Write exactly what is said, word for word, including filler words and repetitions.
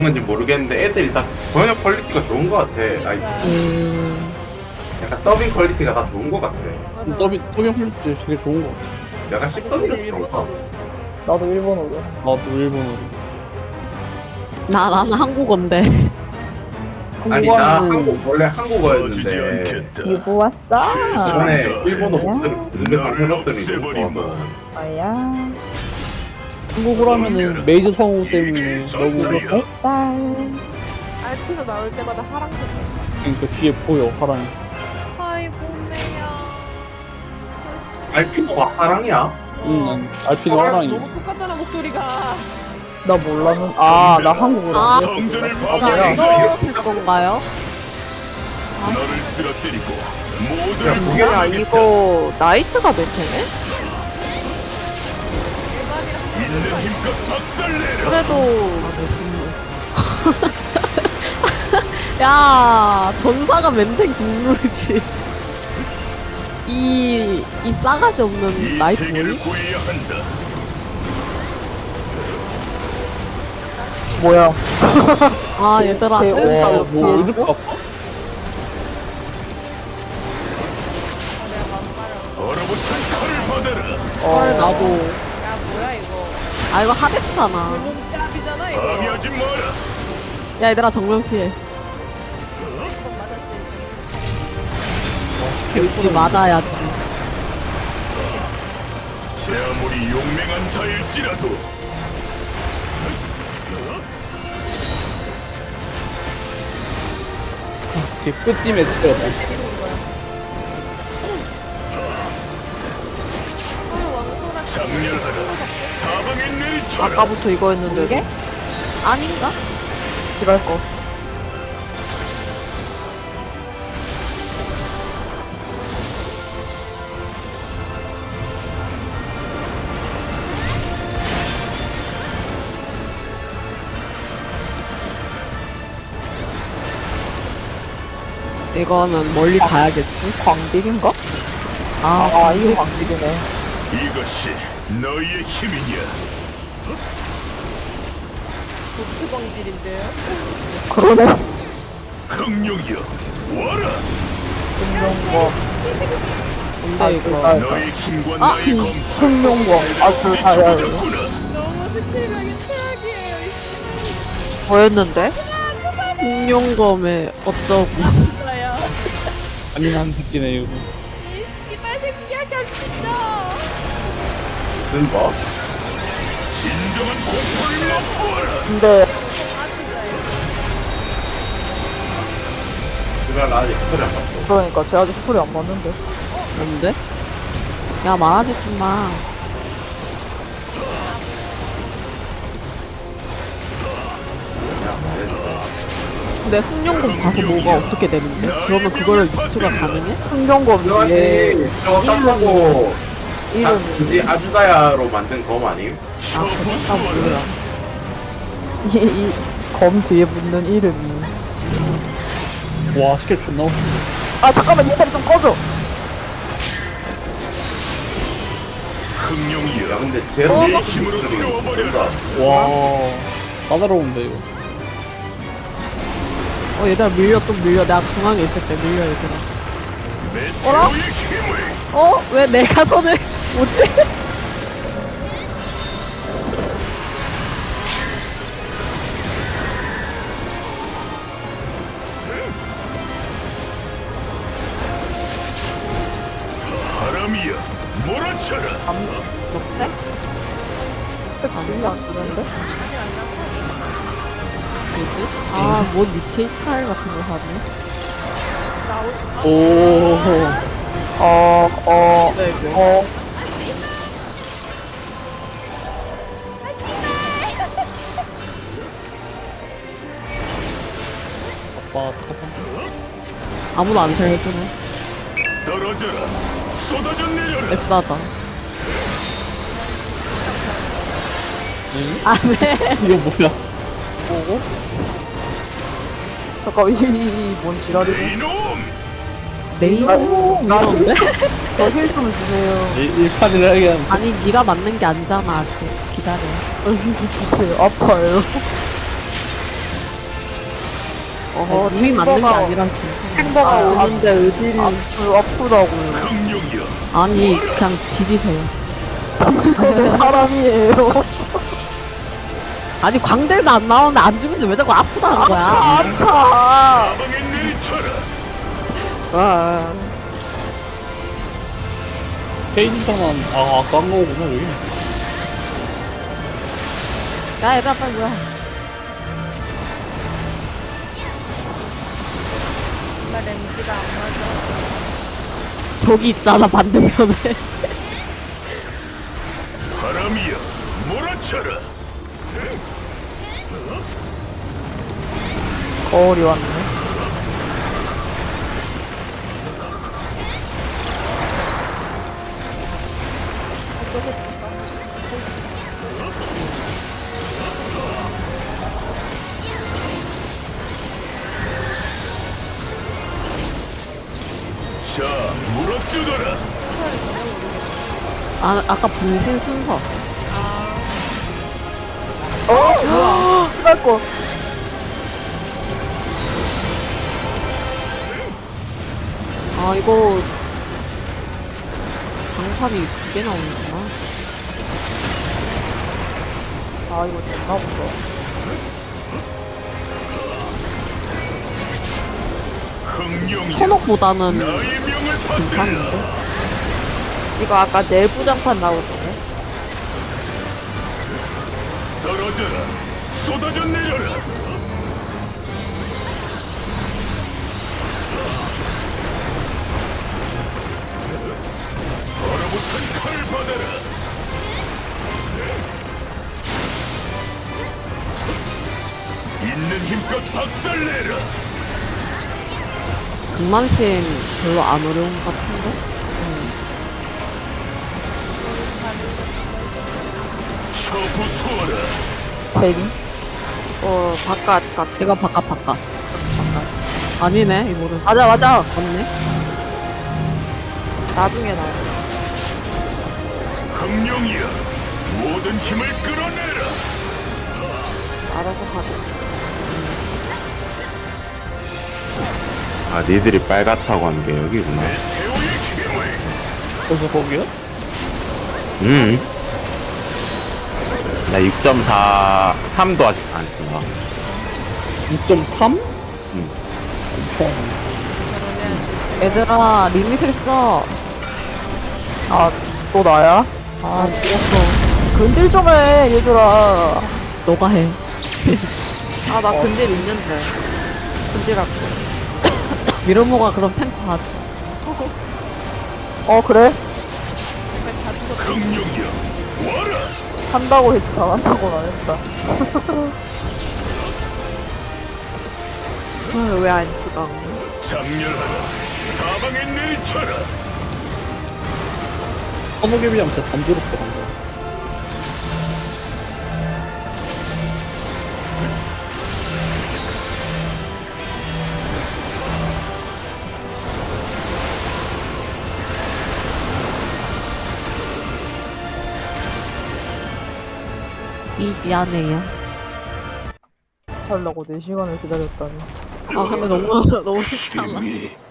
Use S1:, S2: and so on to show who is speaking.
S1: 건지 모르겠는데 애들이 다 번역 퀄리티가 좋은 것 같아. 아이,
S2: 음,
S1: 약간 더빙 퀄리티가 다 좋은 것 같아.
S3: 맞아.
S2: 더빙, 더빙 퀄리티 되게 좋은 것 같아.
S1: 약간
S3: 아니,
S1: 씹더비가
S3: 근데
S1: 그런가?
S3: 일본어로.
S4: 나도 일본어로.
S2: 나도 일본어로.
S5: 나, 나는 한국어인데.
S1: 아니 나
S2: 한국어는
S1: 한국 원래 한국어였는데
S4: 유부 왔어?
S1: 전에 일본어
S4: 뭐야?
S1: 목소리 들으면서 해봤더니 너무 좋아서.
S4: 아야.
S2: 한국어로 하면은 메이저 성우 때문에 너무
S4: 햇살.
S3: 알피로 나올 때마다 하랑색.
S2: 그러니까 뒤에 보여 하랑이.
S3: 아이고 매야.
S1: 알피노가 하랑이야?
S2: 응, 난 알피노
S3: 어,
S2: 하랑이.
S3: 너무 똑같잖아 목소리가.
S4: 나 몰랐는. 아, 나 한국어로
S5: 아,
S4: 안 배웠거든. 아,
S5: 나
S4: 뭐야?
S5: 이거 쓸 건가요?
S1: 야,
S5: 야, 이거 나이트가 메테네? 그래도 야, 전사가 멘탱 국룰이지. 이, 이 싸가지 없는 나이트 뭐니?
S4: 뭐야?
S5: 아, 얘들아,
S4: 대-
S5: 뜬다.
S4: 와,
S2: 뭐 이렇게 아파?
S5: 헐, 나도.
S3: 야 뭐야 이거.
S5: 아, 이거 하데스잖아.
S3: 몸짭이잖아 이거.
S5: 야, 얘들아, 정면 피해. 우리 맞아야지.
S6: 제 아무리 용맹한 자일지라도
S2: 제 끝쯤에 치려다.
S6: 장렬하라 사방에 내리쳐라.
S5: 아까부터 이거였는데.
S4: 이게?
S5: 아닌가?
S4: 지랄 거.
S5: 이거는 멀리 가야겠지.
S4: 광딜인가?
S5: 아,
S4: 아, 이거 광딜이네.
S6: 이것이 너희의 힘이냐.
S3: 독수광질인데요.
S4: 그러네.
S6: 흥룡이여 와라.
S4: 흥룡검.
S5: 근데 이거.
S4: 아,
S6: 너희 힘과
S5: 아,
S6: 나의 검
S4: 흥룡검. 아, 그, 아, 야, 야.
S3: 너무 스킬각이 최악이에요. 이
S5: 뭐였는데? 공룡검에 어쩌고.
S3: 진짜야.
S2: 잔인한 새끼네 이거.
S3: 이 씨발 새끼야 겹친다.
S1: 무슨 뭐?
S6: 진정한 공포를 맛보아라.
S4: 근데,
S1: 그걸 나 아직 소리 안 봤어.
S4: 그러니까 쟤 아직 스토리 안 봤는데.
S5: 뭔데? 야, 말하지 좀 마. 근데 흑룡검 봐서 뭐가 어떻게 되는데? 그러면 그거를 유추가 가능해?
S4: 흥룡검
S1: 들어가지.
S4: 위에
S1: 저거 땀하고 아,
S4: 이름,
S1: 굳이 아주다야로 만든 검 아님?
S5: 아, 그래? 나 몰라.
S4: 이, 이, 검 뒤에 붙는 이름이.
S2: 와 스킬 존나 웃겨.
S4: 아, 잠깐만, 인터넷 좀 꺼줘.
S6: 흥룡이여
S1: 야 근데 제로
S6: 네 힘으로 태워버려라.
S2: 와 까다로운데 이거.
S5: 어, 얘들아, 밀려, 또 밀려. 내가 중앙에 있을 때 밀려, 얘들아. 어라?
S6: 메테오의 힘을
S5: 어? 왜 내가 손을 못해?
S6: 바람이여 몰아쳐라.
S5: 어때?
S4: 스킬이 안 쓰는데?
S5: 뭐지? 아, 뭔 유체 스타일 같은 거 사네?
S2: 오.
S4: 어, 어,
S5: 네, 네.
S4: 어.
S2: 아빠 터져.
S5: 아무도 안 살려주네.
S6: 떨어져라. 쏟아져 내려라.
S5: 엑스하다.
S2: 응?
S5: 아, 네.
S2: 이거 뭐야?
S4: 뭐고? 잠깐, 이, 이, 이, 뭔 지랄이고?
S6: 이놈.
S5: 네이버
S4: 아이고, 나
S5: 이런데?
S4: 저힐 좀 주세요.
S2: 일 판을 하게
S5: 아니, 네가 맞는 게 아니잖아. 아직. 기다려.
S4: 힐 주세요. 아파요. 어허,
S5: 님이 맞는 게
S4: 탱버가-
S5: 아니라
S4: 탱버가 오는데 의딜이 아, 아프다고요.
S6: 흥룡이여
S5: 아니 그냥 디디세요.
S4: 사람이에요.
S5: 아니 광대도 안 나오는데 안 죽는데 왜 자꾸 아프다는 거야?
S4: 아파.
S6: 사방에 내리쳐라.
S4: 와.
S2: 페인터는 아 아까 한 거구나 여기.
S5: 야 얘들아 빨리 뭐야?
S3: 나 렌즈가 안 맞아.
S5: 저기 있잖아 반대편에.
S6: 바람이여 몰아쳐라.
S4: 거울이 왔네.
S6: 자 물어뜯어라.
S5: 아 아까 분신 순서.
S4: 어? 뭐야? 끝날 거.
S5: 아 이거 방탄이 두 개 나오는구나.
S4: 아, 이거 됐나 보다.
S6: 흥룡이여
S5: 천옥보다는
S6: 나의 명을 받들라.
S5: 괜찮은데?
S4: 이거 아까 내부 장판 나오던데?
S6: 떨어져라. 쏟아져 내려라. 얼어붙은 칼 받아라. 있는 힘껏 박살내라.
S5: 극만신 별로 안 어려운 것 같은데?
S6: 처부수어라.
S4: 대리? 어, 바깥, 각.
S5: 제가 바깥 바깥 바깥 아니네 이거는
S4: 맞아, 맞아.
S5: 맞네.
S4: 나중에 나와.
S6: 흥룡이여 모든 힘을 끌어내라.
S4: 알아서 가자.
S1: 아 니들이 빨갛다고 한 게 여기구나.
S6: 태호의 힘을
S2: 그래서 거기야?
S1: 음. 나 육 점 사, 삼도 아직 안 쓴다.
S2: 육 점 삼?
S1: 응.
S2: 엄청.
S5: 얘들아 리밋을 써.
S4: 아, 또 나야? 아, 죽었어. 근딜 좀 해, 얘들아.
S5: 너가 해.
S4: 아, 나 근딜 있는데. 근딜 할게.
S5: 미르모가 그럼 탱커 하자.
S4: 어, 그래?
S6: 흥룡이여 와라.
S4: 한다고 했지, 잘한다고는 안 했다. 왜 안 찍어?
S6: 장렬하라. 사방에 내리쳐라.
S2: 허무개비랑 진짜 단조롭게 한 거.
S5: 이지 않네요.
S4: 하려고 네 시간을 기다렸다니.
S5: 아 근데 너무 너무 쉽잖아.
S6: 등이